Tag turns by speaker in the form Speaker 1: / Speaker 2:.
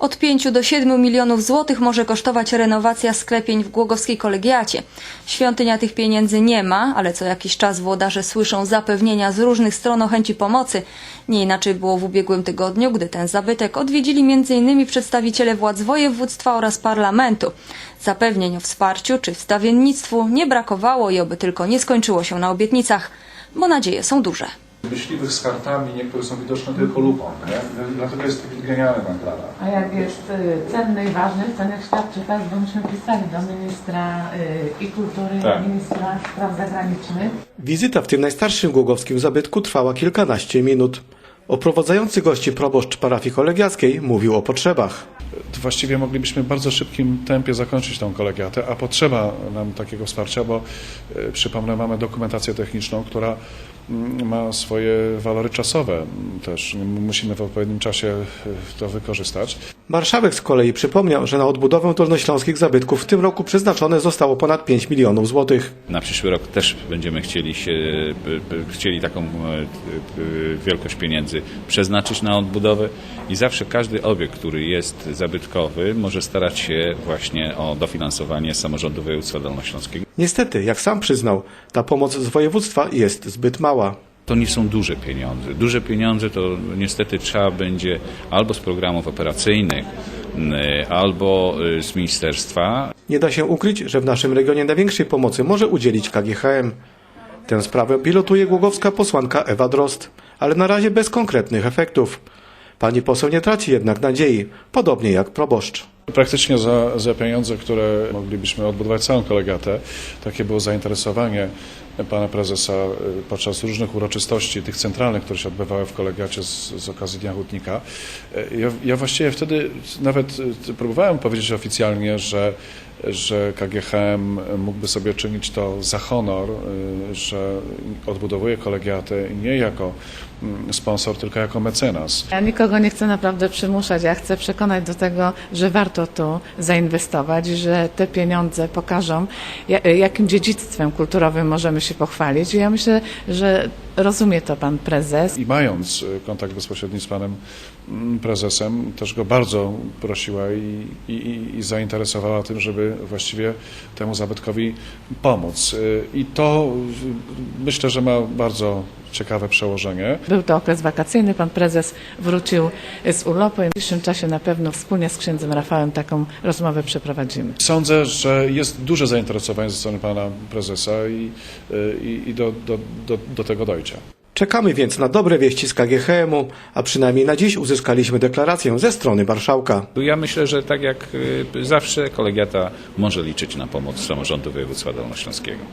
Speaker 1: Od 5 do 7 milionów złotych może kosztować renowacja sklepień w Głogowskiej Kolegiacie. Świątynia tych pieniędzy nie ma, ale co jakiś czas włodarze słyszą zapewnienia z różnych stron o chęci pomocy. Nie inaczej było w ubiegłym tygodniu, gdy ten zabytek odwiedzili m.in. przedstawiciele władz województwa oraz parlamentu. Zapewnień o wsparciu czy wstawiennictwu nie brakowało i oby tylko nie skończyło się na obietnicach, bo nadzieje są duże.
Speaker 2: Myśliwych z kartami, niektóre są widoczne tylko lupą, nie? Dlatego jest taki genialny pan Klara.
Speaker 3: A jak jest cenny i ważny, to niech świadczy tak, bo myśmy pisali do ministra i kultury,
Speaker 2: Tak.
Speaker 3: ministra spraw zagranicznych.
Speaker 4: Wizyta w tym najstarszym głogowskim zabytku trwała kilkanaście minut. Oprowadzający gości proboszcz parafii kolegiackiej mówił o potrzebach.
Speaker 2: Właściwie moglibyśmy w bardzo szybkim tempie zakończyć tą kolegiatę, a potrzeba nam takiego wsparcia, bo przypomnę, mamy dokumentację techniczną, która ma swoje walory czasowe też. Musimy w odpowiednim czasie to wykorzystać.
Speaker 4: Marszałek z kolei przypomniał, że na odbudowę dolnośląskich zabytków w tym roku przeznaczone zostało ponad 5 milionów złotych.
Speaker 5: Na przyszły rok też będziemy chcieli taką wielkość pieniędzy przeznaczyć na odbudowę i zawsze każdy obiekt, który jest zabytkowy, może starać się właśnie o dofinansowanie z samorządu województwa dolnośląskiego.
Speaker 4: Niestety, jak sam przyznał, ta pomoc z województwa jest zbyt mała.
Speaker 5: To nie są duże pieniądze. Duże pieniądze to niestety trzeba będzie albo z programów operacyjnych, albo z ministerstwa.
Speaker 4: Nie da się ukryć, że w naszym regionie największej pomocy może udzielić KGHM. Tę sprawę pilotuje głogowska posłanka Ewa Drozd, ale na razie bez konkretnych efektów. Pani poseł nie traci jednak nadziei, podobnie jak proboszcz.
Speaker 2: Praktycznie za pieniądze, które moglibyśmy odbudować całą kolegiatę, takie było zainteresowanie pana prezesa podczas różnych uroczystości, tych centralnych, które się odbywały w kolegiacie z okazji Dnia Hutnika. Ja właściwie wtedy nawet próbowałem powiedzieć oficjalnie, że KGHM mógłby sobie czynić to za honor, że odbudowuje kolegiatę nie jako sponsor, tylko jako mecenas.
Speaker 3: Ja nikogo nie chcę naprawdę przymuszać, ja chcę przekonać do tego, że warto tu zainwestować, że te pieniądze pokażą, jakim dziedzictwem kulturowym możemy się pochwalić. I ja myślę, że rozumie to pan prezes.
Speaker 2: I mając kontakt bezpośredni z panem prezesem, też go bardzo prosiła i zainteresowała tym, żeby właściwie temu zabytkowi pomóc. I to myślę, że ma bardzo ciekawe przełożenie.
Speaker 3: Był to okres wakacyjny, pan prezes wrócił z urlopu i w najbliższym czasie na pewno wspólnie z księdzem Rafałem taką rozmowę przeprowadzimy.
Speaker 2: Sądzę, że jest duże zainteresowanie ze strony pana prezesa i do tego dojdzie.
Speaker 4: Czekamy więc na dobre wieści z KGHM-u, a przynajmniej na dziś uzyskaliśmy deklarację ze strony marszałka.
Speaker 5: Ja myślę, że tak jak zawsze kolegiata może liczyć na pomoc samorządu województwa dolnośląskiego.